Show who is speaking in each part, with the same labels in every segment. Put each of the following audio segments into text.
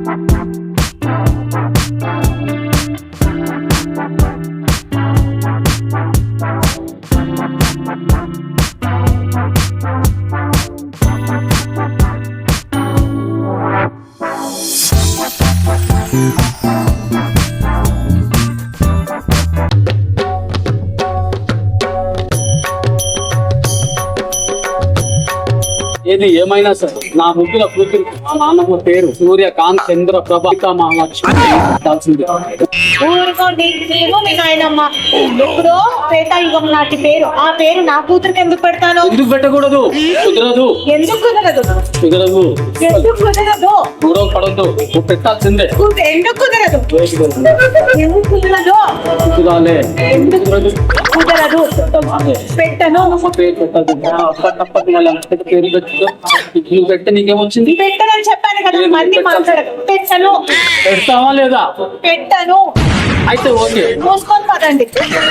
Speaker 1: ఏది ఏమైనా సరే నా ముగ్గుల కూతురు మా నాన్నమ్మ పేరు సూర్యకాంత్ చంద్ర ప్రభా మహాలక్ష్మి పెట్టాల్సింది.
Speaker 2: ఊరుకోండి, నేను మీ నాయనమ్మ ఎప్పుడో త్రేతాయుగం నాటి పేరు. ఆ పేరు నా కూతురికి ఎందుకు పెడతాను?
Speaker 1: ఎందుకు పెట్టకూడదు? కుదరదు.
Speaker 2: ఎందుకు కుదరదు?
Speaker 1: కుదరదు.
Speaker 2: ఎందుకు కుదరదు?
Speaker 1: గొడవ పడద్దు. పెట్టాల్సిందే.
Speaker 2: ఎందుకు కుదరదు? ఎందుకు కుదరదు?
Speaker 1: కుదరాలే.
Speaker 2: ఎందుకు
Speaker 1: కుదరదు.
Speaker 2: కుదరదు? పెట్టను.
Speaker 1: పేరు పెట్టదు. తప్పదు. మళ్ళీ పేరు పెట్టు. నువ్వు పెట్టి నీకేమొచ్చింది?
Speaker 2: పెట్టనని చెప్పాను కదా, మంది మాట్లాడదు. పెట్టను.
Speaker 1: పెడతావా లేదా?
Speaker 2: పెట్టను.
Speaker 1: అయితే ఓకే,
Speaker 2: మూసుకొని పదండి.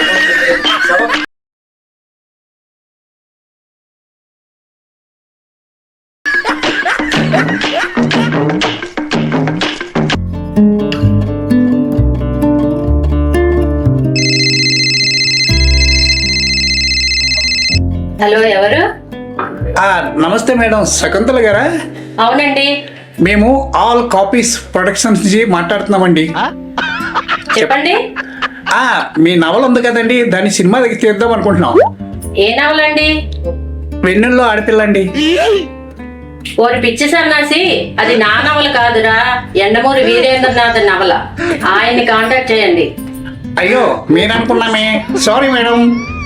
Speaker 3: హలో, ఎవరు?
Speaker 4: నమస్తే మేడం, శకుంతల గారా?
Speaker 3: అవునండి.
Speaker 4: మేము ఆల్ కాపీస్ ప్రొడక్షన్స్ నుంచి మాట్లాడుతున్నామండి.
Speaker 3: చెప్పండి.
Speaker 4: మీ నవల ఉంది కదండి, దాన్ని సినిమా దగ్గర తీద్దాం అనుకుంటున్నాం.
Speaker 3: ఏ నవలండి?
Speaker 4: వెన్నెల్లో ఆడపిల్లండి.
Speaker 3: ఓరి పిచ్చి సన్నాసి, అది నా నవల కాదురా, ఎండమూరి వీరేంద్రనాథ్ నవల. ఆయన్ని కాంటాక్ట్ చేయండి.
Speaker 4: అయ్యో, మీరనుకున్నామే, సారీ మేడం.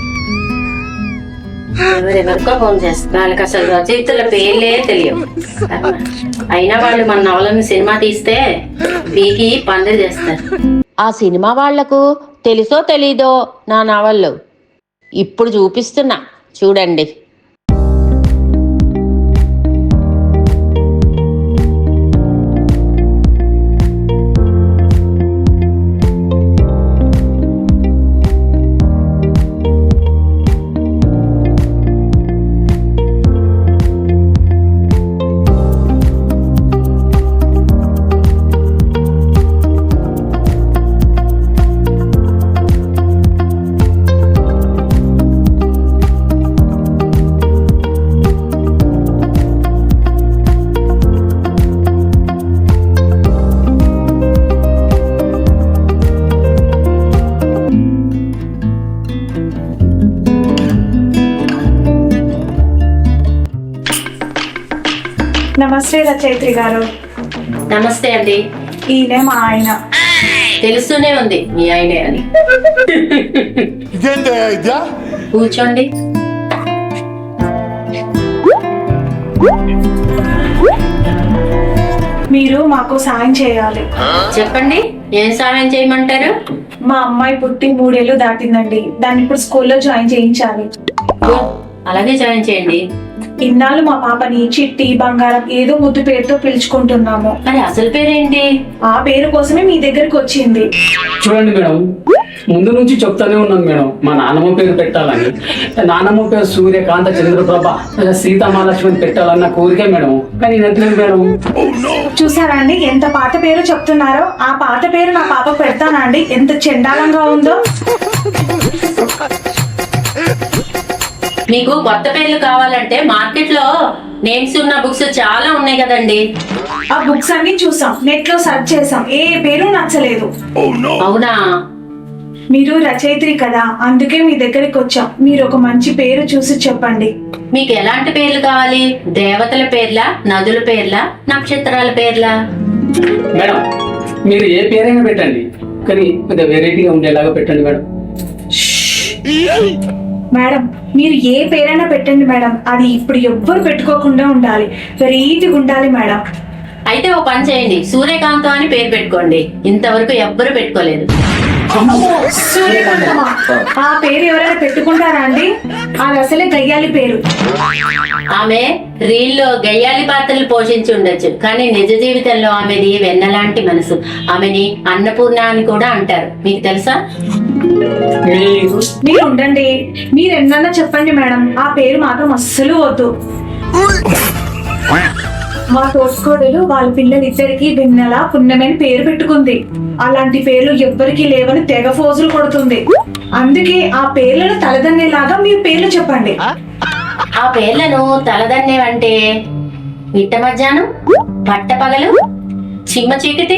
Speaker 3: ఎవరెవరికో ఫోన్ చేస్తారు, వాళ్ళకి అసలు రచయితల పేర్లే తెలియవు. అయినా వాళ్ళు మన నవలను సినిమా తీస్తే పీకి పందిరి చేస్తారు. ఆ సినిమా వాళ్లకు తెలుసో తెలీదో నా నవళ్ళు ఇప్పుడు చూపిస్తున్నా, చూడండి.
Speaker 2: నమస్తే రచయిత్రి గారు.
Speaker 3: నమస్తే అండి.
Speaker 2: ఈయనే మా ఆయన.
Speaker 3: తెలుస్తూనే ఉంది మీ ఆయనే అని. కూర్చోండి.
Speaker 2: మీరు మాకు సాయం చేయాలి.
Speaker 3: చెప్పండి, ఏం సాయం చేయమంటారు?
Speaker 2: మా అమ్మాయి పుట్టి 3 ఏళ్ళు దాటిందండి. దాన్ని ఇప్పుడు స్కూల్లో జాయిన్ చేయించాలి.
Speaker 3: అలాగే జాయిన్ చేయండి.
Speaker 2: ఇన్నాళ్ళు మా పాపని చిట్టి, బంగారం ఏదో ముద్దు పేరుతో పిలుచుకుంటున్నాము.
Speaker 3: మరి అసలు పేరేంటి?
Speaker 2: ఆ పేరు కోసమే మీ దగ్గరికి వచ్చింది.
Speaker 1: చూడండి మేడం, ముందు నుంచి చెప్తానే ఉన్నాను మేడం, మా నాన్నమ్మ పేరు పెట్టాలని. నాన్నమ్మ పేరు సూర్యకాంత చంద్రప్రభ సీతామహాలక్ష్మి పెట్టాలన్న కోరికే మేడం, కానీ నచ్చలేదు మేడం.
Speaker 2: చూసారా అండి, ఎంత పాత పేరు చెప్తున్నారో. ఆ పాత పేరు నా పాప పెడతానా అండి? ఎంత చండాలంగా ఉందో.
Speaker 3: మీకు కొత్త పేర్లు కావాలంటే మార్కెట్ లో నేమ్స్ ఉన్న బుక్స్ చాలా ఉన్నాయి కదండి.
Speaker 2: ఆ బుక్స్ అన్ని చూసాం, నెట్ లో సెర్చ్ చేసాం, ఏ పేరు నచ్చలేదు.
Speaker 3: అవునా?
Speaker 2: మీరు రచయిత్రి కదా, అందుకే మీ దగ్గరికి వచ్చాం. మీరు ఒక మంచి పేరు చూసి చెప్పండి.
Speaker 3: మీకు ఎలాంటి పేర్లు కావాలి? దేవతల పేర్లా, నదుల పేర్లా, నక్షత్రాల పేర్లా?
Speaker 1: మేడం, మీరు ఏ పేరైనా పెట్టండి, కానీ కొంచెం వెరైటీగా ఉండేలాగా పెట్టండి మేడం.
Speaker 2: మేడం, మీరు ఏ పేరైనా పెట్టండి మేడం, అది ఇప్పుడు ఎవ్వరు పెట్టుకోకుండా ఉండాలి, వెరైటీగా ఉండాలి మేడం.
Speaker 3: అయితే ఓ పని చేయండి, సూర్యకాంతం అని పేరు పెట్టుకోండి. ఇంతవరకు ఎవ్వరు పెట్టుకోలేదు.
Speaker 2: సూర్యకాంతమా? ఆ పేరు ఎవరైనా పెట్టుకుంటారా అండి? అది అసలే గయ్యాలి పేరు.
Speaker 3: ఆమె రీల్లో గయ్యాలి పాత్రలు పోషించి ఉండొచ్చు, కానీ నిజ జీవితంలో ఆమెది వెన్నలాంటి మనసు. ఆమెని అన్నపూర్ణ అని కూడా అంటారు. మీకు తెలుసా?
Speaker 2: మీరు ఉండండి, మీరు ఎన్నన్నా చెప్పండి మేడం, ఆ పేరు మాత్రం అస్సలు వద్దు. మా తోటికోడలు వాళ్ళ పిల్లలిద్దరికి వెన్నెల పుణ్యమని పేరు పెట్టుకుంది. అలాంటి పేర్లు ఎవ్వరికీ లేవని తెగ ఫోజులు కొడుతుంది. అందుకే ఆ పేర్లను తలదన్నేలాగా మీరు పేర్లు చెప్పండి.
Speaker 3: ఆ పేర్లను తలదన్నేవంటే మిట్ట మధ్యాహ్నం, పట్టపగలు, చిమ్మ చీకటి.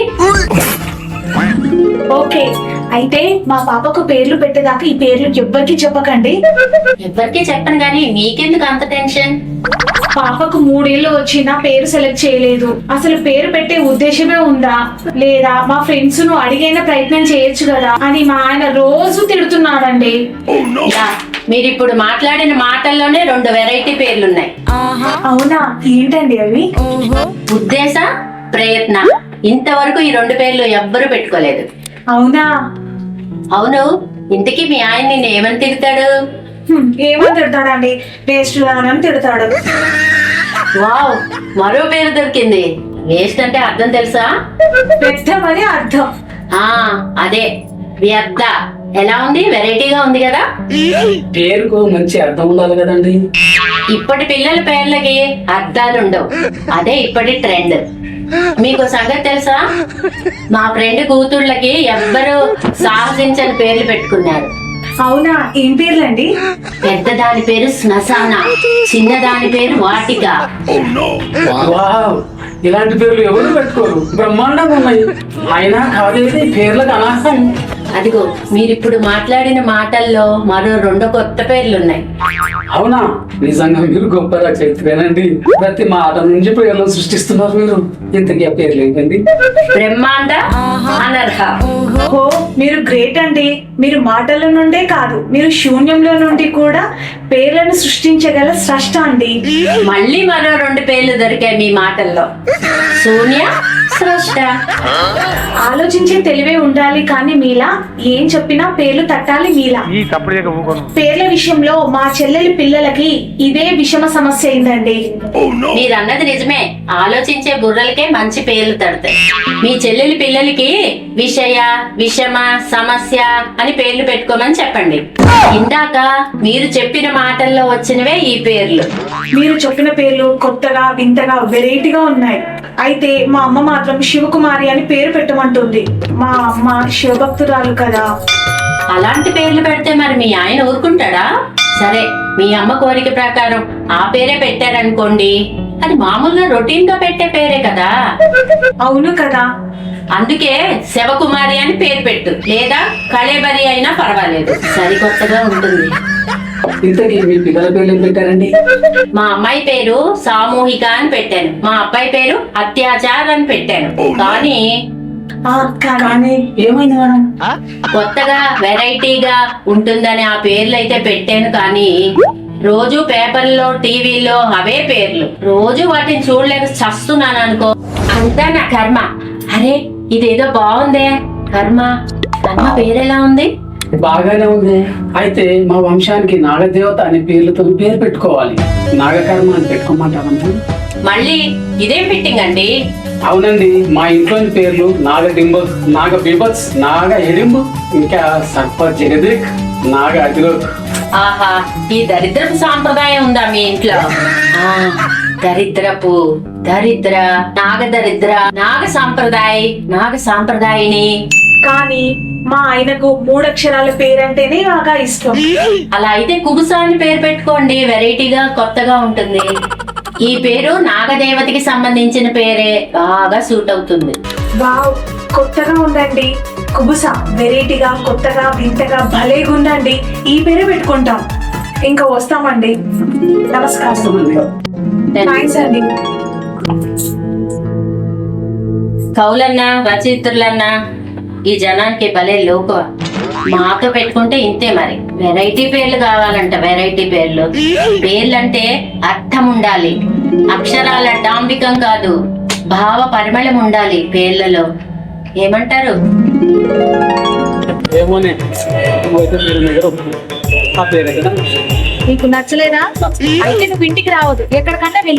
Speaker 2: ఓకే, అయితే మా పాపకు పేర్లు పెట్టేదాకా ఈ పేర్లు ఎవ్వరికి చెప్పకండి.
Speaker 3: ఎవ్వరికీ చెప్పను గాని మీకెందుకు అంత టెన్షన్?
Speaker 2: పాపకు 3 ఏళ్ళు వచ్చినా పేరు సెలెక్ట్ చేయలేదు. అసలు పేరు పెట్టే ఉద్దేశమే ఉందా లేదా మా ఫ్రెండ్స్ ను అడిగైన ప్రయత్నం చేయొచ్చు కదా అని మా ఆయన రోజు తిడుతున్నాడండి.
Speaker 3: యా, మీరిప్పుడు మాట్లాడిన మాటల్లోనే 2 వెరైటీ పేర్లున్నాయి.
Speaker 2: అవునా, ఏంటండి అవి?
Speaker 3: ఉద్దేశ, ప్రయత్న. ఇంతవరకు ఈ 2 పేర్లు ఎవ్వరూ పెట్టుకోలేదు.
Speaker 2: అవునా?
Speaker 3: అవును, ఇంతకీ మీ ఆయన నిన్ను ఏమని తిడతాడు?
Speaker 2: ఏమని తిడతాడండి? వేస్ట్ అని తిడతాడు.
Speaker 3: వావ్, మరో పేరు దొరికింది. వేస్ట్ అంటే అర్థం తెలుసా?
Speaker 2: పెద్దమని అర్థం.
Speaker 3: అదే వ్యర్థ. ఎలా ఉంది? వెరైటీగా ఉంది కదా.
Speaker 1: పేరుకు మంచి అర్థం ఉండాలి కదండి.
Speaker 3: ఇప్పటి పిల్లల పేర్లకి అర్థాలు ఉండవు. అదే ఇప్పటి ట్రెండ్. మీకు సంగతి తెలుసా? మా ఫ్రెండ్ కూతుళ్ళకి ఎవ్వరు సాహసించని పేర్లు పెట్టుకున్నారు.
Speaker 2: అవునా? ఏం పేర్లండి?
Speaker 3: పెద్ద దాని పేరు శ్మశాన, చిన్న దాని పేరు వాటిక.
Speaker 1: వావ్, ఇలాంటి పేర్లు ఎవరు పెట్టుకోరు, బ్రహ్మాండంగా ఉన్నాయి. అయినా కాదేది పేర్లకు అనర్హం.
Speaker 3: అదిగో మీరిప్పుడు మాట్లాడిన మాటల్లో మరో 2 కొత్త పేర్లున్నాయి.
Speaker 1: అవునా? నిజంగా మీరు గొప్పగా చెప్తారండి. ప్రతి మాట నుంచి పేర్లను సృష్టిస్తున్నారు మీరు. ఇంతకీ ఆ పేర్లు ఏంటండి?
Speaker 3: బ్రహ్మాండ, అనర్హ.
Speaker 2: ఓ, మీరు గ్రేట్ అండి. మీరు మాటల నుండే కాదు, మీరు శూన్యంలో నుండి కూడా పేర్లను సృష్టించగల స్రష్ట అండి.
Speaker 3: మళ్ళీ మరో 2 పేర్లు దొరికాయి మీ మాటల్లో. శూన్య, స్రష్ట.
Speaker 2: ఆలోచించే తెలివే ఉండాలి, కానీ మీలా ఏం చెప్పినా పేర్లు తట్టాలి మీలా. పేర్ల విషయంలో మా చెల్లెలి పిల్లలకి ఇదే విషమ సమస్య అయిందండి.
Speaker 3: మీరన్నది నిజమే. ఆలోచించే బుర్రలకే మంచి పేర్లు తడతాయి. మీ చెల్లెలి పిల్లలకి విషయ, విషమ, సమస్య అని పేర్లు పెట్టుకోమని చెప్పండి. ఇందాక మీరు చెప్పిన మాటల్లో వచ్చినవే ఈ పేర్లు.
Speaker 2: మీరు చెప్పిన పేర్లు కొత్తగా, వింతగా, వెరైటీగా ఉన్నాయి. అయితే మా అమ్మ మాత్రం శివకుమారి అని పేరు పెట్టమంటుంది. మా అమ్మ శివభక్తురాలు కదా.
Speaker 3: అలాంటి పేర్లు పెడితే మరి మీ ఆయన ఊరుకుంటాడా? సరే, మీ అమ్మ కోరిక ప్రకారం ఆ పేరే పెట్టారనుకోండి, అది మామూలుగా రొటీన్ గా పెట్టే పేరే కదా.
Speaker 2: అవును కదా.
Speaker 3: అందుకే శివకుమారి అని పేరు పెట్టు, లేదా కళేబరి అయినా పర్వాలేదు, సరికొత్తగా ఉంటుంది.
Speaker 1: ఇంతకీ మీ పిల్లల పేర్లు ఏం పెట్టారండి?
Speaker 3: మా అమ్మాయి పేరు సామూహిక అని పెట్టాను. మా అబ్బాయి పేరు అత్యాచార్ అని పెట్టాను.
Speaker 1: కానీ ఏమైంది మేడం?
Speaker 3: కొత్తగా వెరైటీగా ఉంటుందని ఆ పేర్లు అయితే పెట్టాను, కానీ రోజు పేపర్లో, టీవీలో అవే పేర్లు. రోజు వాటిని చూడలేక చస్తున్నాను అనుకో. అంతా నా కర్మ. అరే, ఇదేదో బాగుందే. కర్మ పేరెలా ఉంది?
Speaker 1: బాగానే ఉంది. అయితే మా వంశానికి నాగదేవత అనే పేర్లతో పేరు పెట్టుకోవాలి. నాగకర్మ అని పెట్టుకోమంటారండి.
Speaker 3: మళ్ళీ ఇదేం ఫిట్టింగ్ అండి?
Speaker 1: అవునండి, మా ఇంట్లోని పేర్లు నాగడింబ, నాగ బిబత్స్, నాగ ఎడింబు, ఇంకా సర్ప జగదిక్, నాగ అతిలోక్.
Speaker 3: ఆహా, ఈ దరిద్రపు సాంప్రదాయం ఉందా మీ ఇంట్లో? దరిద్రపు దరిద్ర, నాగ దరిద్ర, నాగ సాంప్రదాయిని.
Speaker 2: కానీ మా ఆయనకు 3 అక్షరాల పేరంటేనే బాగా ఇష్టం.
Speaker 3: అలా అయితే కుబుస అని పేరు పెట్టుకోండి, వెరైటీగా, కొత్తగా ఉంటుంది. ఈ పేరు నాగదేవతకి సంబంధించిన పేరే, బాగా సూట్ అవుతుంది.
Speaker 2: వావ్, కొత్తగా ఉందండి. కుబుస వెరైటీగా, కొత్తగా, వింతగా, భలేగా ఉందండి. ఈ పేరే పెట్టుకుంటాం. ఇంకా వస్తామండి. నమస్కారం. థాంక్స్ అండి.
Speaker 3: కవులన్నా, రచయిత్రులన్నా ఈ జనానికి భలే లోకువ. మాతో పెట్టుకుంటే ఇంతే మరి. వెరైటీ పేర్లు కావాలంట, వెరైటీ పేర్లు. పేర్లంటే అర్థం ఉండాలి, అక్షరాల డాంబికం కాదు, భావ పరిమళం ఉండాలి పేర్లలో. ఏమంటారు?
Speaker 2: నీకు నచ్చలేదా? అయితే నువ్వు ఇంటికి రావద్దు, ఎక్కడికన్నా వెళ్ళి.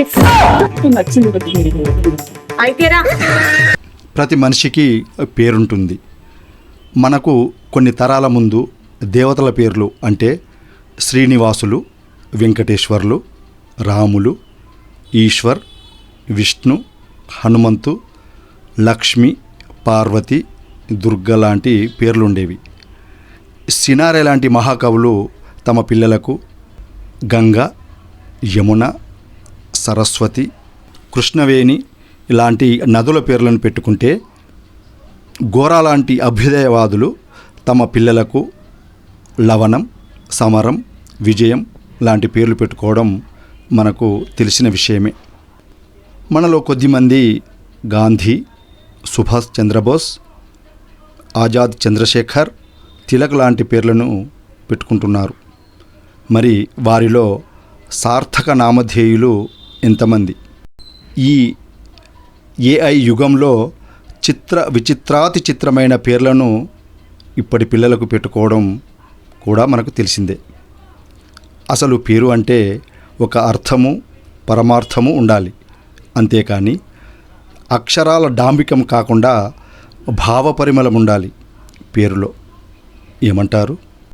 Speaker 2: అయితేరా.
Speaker 5: ప్రతి మనిషికి పేరుంటుంది. మనకు కొన్ని తరాల ముందు దేవతల పేర్లు అంటే శ్రీనివాసులు, వెంకటేశ్వర్లు, రాములు, ఈశ్వర్, విష్ణు, హనుమంతు, లక్ష్మి, పార్వతి, దుర్గ లాంటి పేర్లుండేవి. సినారె లాంటి మహాకవులు తమ పిల్లలకు గంగ, యమున, సరస్వతి, కృష్ణవేణి ఇలాంటి నదుల పేర్లను పెట్టుకుంటే, గోరా లాంటి అభ్యుదయవాదులు తమ పిల్లలకు లవణం, సమరం, విజయం లాంటి పేర్లు పెట్టుకోవడం మనకు తెలిసిన విషయమే. మనలో కొద్దిమంది గాంధీ, సుభాష్ చంద్రబోస్, ఆజాద్ చంద్రశేఖర్, తిలక్ లాంటి పేర్లను పెట్టుకుంటున్నారు. మరి వారిలో సార్థక నామధేయులు ఎంతమంది? ఈ ఏఐ యుగంలో విచిత్రాతి చిత్రమైన పేర్లను ఇప్పటి పిల్లలకు పెట్టుకోవడం కూడా మనకు తెలిసిందే. అసలు పేరు అంటే ఒక అర్థము, పరమార్థము ఉండాలి. అంతేకాని అక్షరాల డాంబికం కాకుండా భావపరిమళం ఉండాలి పేరులో. ఏమంటారు?